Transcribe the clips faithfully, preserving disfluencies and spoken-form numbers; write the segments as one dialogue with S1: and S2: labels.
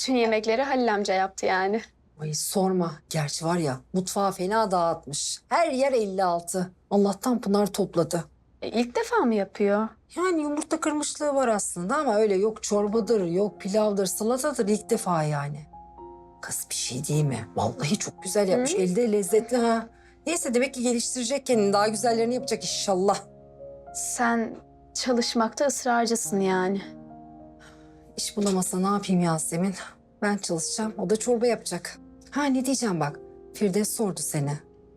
S1: Bütün yemekleri Halil amca yaptı yani.
S2: Ay sorma. Gerçi var ya mutfağı fena dağıtmış. Her yer elli altı. Allah'tan Pınar topladı.
S1: E, ilk defa mı yapıyor?
S2: Yani yumurta kırmışlığı var aslında ama öyle yok çorbadır, yok pilavdır, salatadır ilk defa yani. Kız bir şey değil mi? Vallahi çok güzel yapmış.
S1: Hı?
S2: Elde lezzetli ha. Neyse demek ki geliştirecek kendini. Daha güzellerini yapacak inşallah.
S1: Sen çalışmakta ısrarcısın yani.
S2: İş bulamasa ne yapayım Yasemin? Ben çalışacağım, o da çorba yapacak. Ha ne diyeceğim bak, Firdevs sordu seni.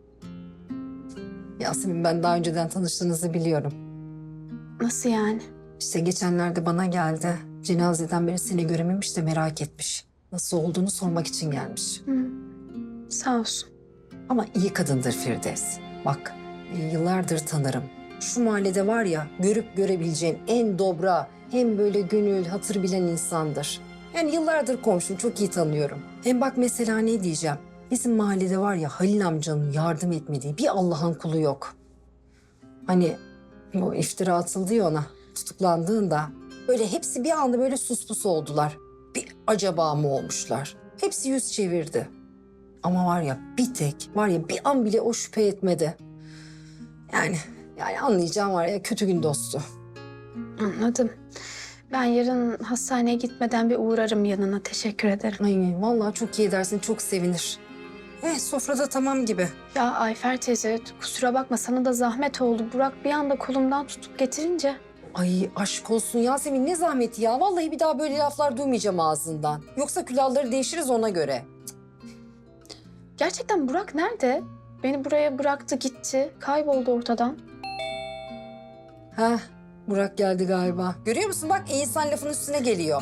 S2: Yasemin ben daha önceden tanıştığınızı biliyorum.
S1: Nasıl yani?
S2: İşte geçenlerde bana geldi. Cenazeden beri seni görememiş de merak etmiş. Nasıl olduğunu sormak için gelmiş.
S1: Hı. Sağ olsun.
S2: Ama iyi kadındır Firdevs. Bak e, yıllardır tanırım. Şu mahallede var ya görüp görebileceğin en dobra, hem böyle gönül, hatır bilen insandır. Yani yıllardır komşum, çok iyi tanıyorum. Hem bak mesela ne diyeceğim. Bizim mahallede var ya Halil amcanın yardım etmediği bir Allah'ın kulu yok. Hani bu iftira atıldı ya ona tutuklandığında. Böyle hepsi bir anda böyle suspus oldular. Bir acaba mı olmuşlar? Hepsi yüz çevirdi. Ama var ya bir tek, var ya bir an bile o şüphe etmedi. Yani, yani anlayacağım var ya kötü gün dostu.
S1: Anladım. Ben yarın hastaneye gitmeden bir uğrarım yanına. Teşekkür ederim.
S2: Ay vallahi çok iyi edersin, çok sevinir. Eh sofrada tamam gibi.
S1: Ya Ayfer teyze kusura bakma sana da zahmet oldu. Burak bir anda kolumdan tutup getirince.
S2: Ay aşk olsun Yasemin, ne zahmeti ya. Vallahi bir daha böyle laflar duymayacağım ağzından. Yoksa külahları değişiriz ona göre.
S1: Gerçekten Burak nerede? Beni buraya bıraktı gitti. Kayboldu ortadan.
S2: Heh, Burak geldi galiba. Görüyor musun bak, iyi insan lafın üstüne geliyor.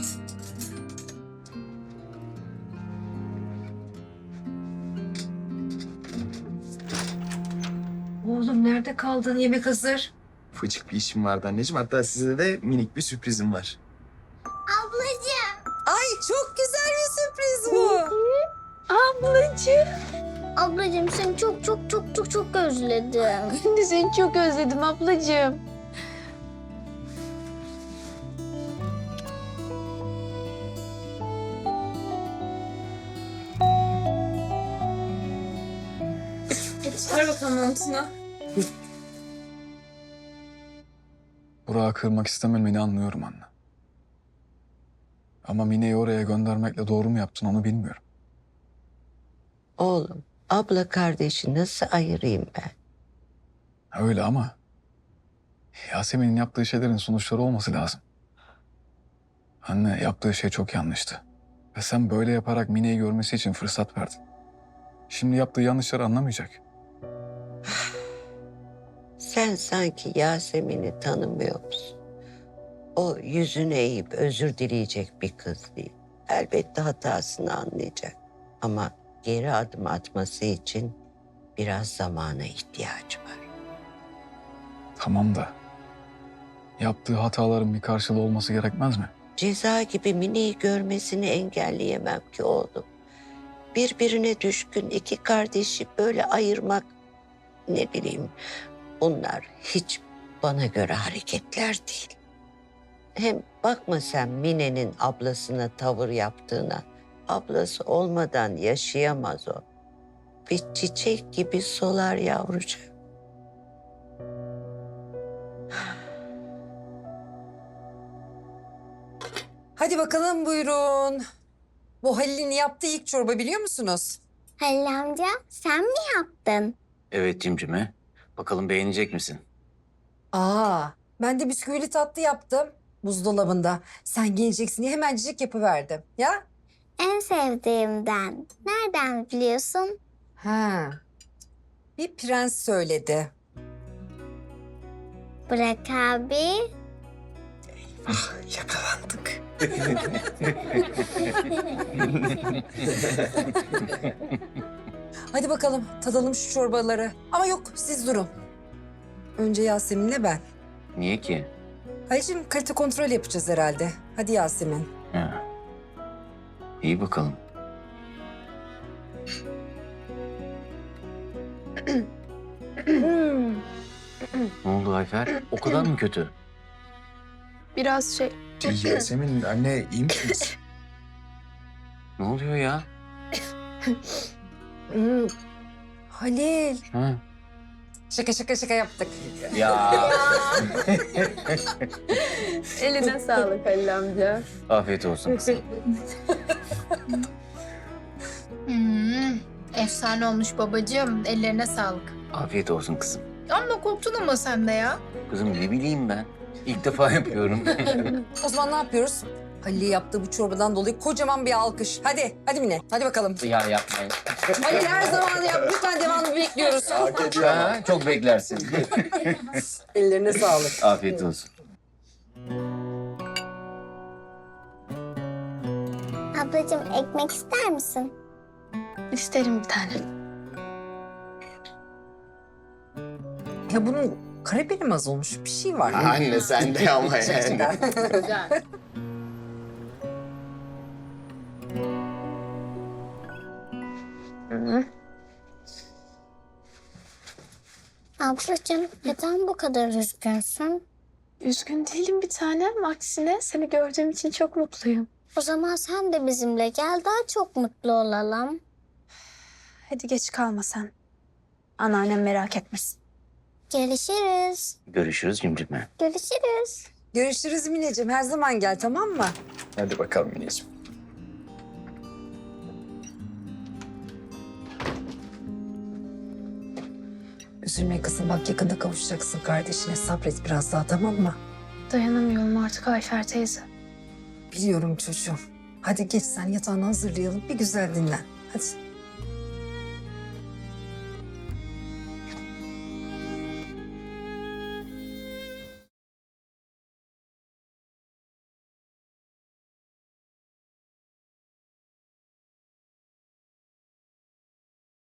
S2: Oğlum nerede kaldın? Yemek hazır.
S3: Ufacık bir işim vardı anneciğim. Hatta size de minik bir sürprizim var.
S4: Ablacığım.
S2: Ay çok güzel bir sürpriz bu.
S1: Ablacığım.
S4: Ablacığım seni çok çok çok çok çok özledim.
S1: Ben de seni çok özledim ablacığım. Çıkar bakalım montunu.
S5: Burak'ı kırmak istememeni anlıyorum anne. Ama Mine'yi oraya göndermekle doğru mu yaptın onu bilmiyorum.
S6: Oğlum, abla kardeşi nasıl ayırayım ben?
S5: Öyle ama Yasemin'in yaptığı şeylerin sonuçları olması lazım. Anne yaptığı şey çok yanlıştı. Ve sen böyle yaparak Mine'yi görmesi için fırsat verdin. Şimdi yaptığı yanlışları anlamayacak.
S6: Sen sanki Yasemin'i tanımıyor musun? O yüzünü eğip özür dileyecek bir kız değil. Elbette hatasını anlayacak. Ama geri adım atması için biraz zamana ihtiyacı var.
S5: Tamam da yaptığı hataların bir karşılığı olması gerekmez mi?
S6: Ceza gibi Mine'yi görmesini engelleyemem ki oğlum. Birbirine düşkün iki kardeşi böyle ayırmak, ne bileyim, bunlar hiç bana göre hareketler değil. Hem bakma sen Mine'nin ablasına tavır yaptığına. Ablası olmadan yaşayamaz o. Bir çiçek gibi solar yavrucuğum.
S2: Hadi bakalım buyurun. Bu Halil'in yaptığı ilk çorba biliyor musunuz?
S4: Halil amca sen mi yaptın?
S7: Evet Cimcime. Bakalım beğenecek misin?
S2: Aa, ben de bisküvili tatlı yaptım buzdolabında. Sen geleceksin diye hemencik yapıverdim. Ya?
S4: En sevdiğimden. Nereden biliyorsun?
S2: Ha. Bir prens söyledi.
S4: Bırak abi.
S3: Yakalandık.
S2: Hadi bakalım tadalım şu çorbaları. Ama yok siz durun. Önce Yasemin'le ben.
S7: Niye ki?
S2: Halil'cim kalite kontrol yapacağız herhalde. Hadi Yasemin.
S7: Ha. İyi bakalım. Ne oldu Ayfer? O kadar mı kötü?
S1: Biraz şey...
S3: Yasemin anne iyi misiniz?
S7: Ne oluyor ya?
S2: Hmm. Halil.
S7: Ha?
S2: Şaka şaka şaka yaptık.
S7: Ya.
S1: Eline sağlık Halil amca.
S7: Afiyet olsun kızım.
S8: Hmm, efsane olmuş babacığım. Ellerine sağlık.
S7: Afiyet olsun kızım.
S8: Amma korktun ama sen de ya.
S7: Kızım ne bileyim ben. İlk defa yapıyorum.
S2: O zaman ne yapıyoruz? Halil'e yaptığı bu çorbadan dolayı kocaman bir alkış. Hadi, hadi Mine. Hadi bakalım.
S7: ya yapmayın.
S2: Halil her zaman yap. Lütfen devamını bekliyoruz.
S7: Ha, çok beklersin.
S2: Ellerine sağlık.
S7: Afiyet olsun.
S4: Ablacığım ekmek ister misin?
S1: İsterim bir tane.
S2: Ya bunun karabeli mi az olmuş? Bir şey var.
S3: Anne sen de ama yani.
S8: Güzel.
S1: Hı.
S4: Ablacığım neden bu kadar üzgünsün?
S1: Üzgün değilim bir tanem. Aksine seni gördüğüm için çok mutluyum.
S4: O zaman sen de bizimle gel daha çok mutlu olalım.
S1: Hadi geç kalma sen. Anneannem merak etmesin.
S4: Görüşürüz.
S7: Görüşürüz cimcime.
S4: Görüşürüz.
S2: Görüşürüz Mineciğim. Her zaman gel, tamam mı?
S3: Hadi bakalım Mineciğim.
S2: Üzülme kızım. Bak yakında kavuşacaksın kardeşine. Sabret biraz daha, tamam mı?
S1: Dayanamıyorum artık Ayfer teyze.
S2: Biliyorum çocuğum. Hadi geç sen yatağını hazırlayalım. Bir güzel dinlen. Hadi.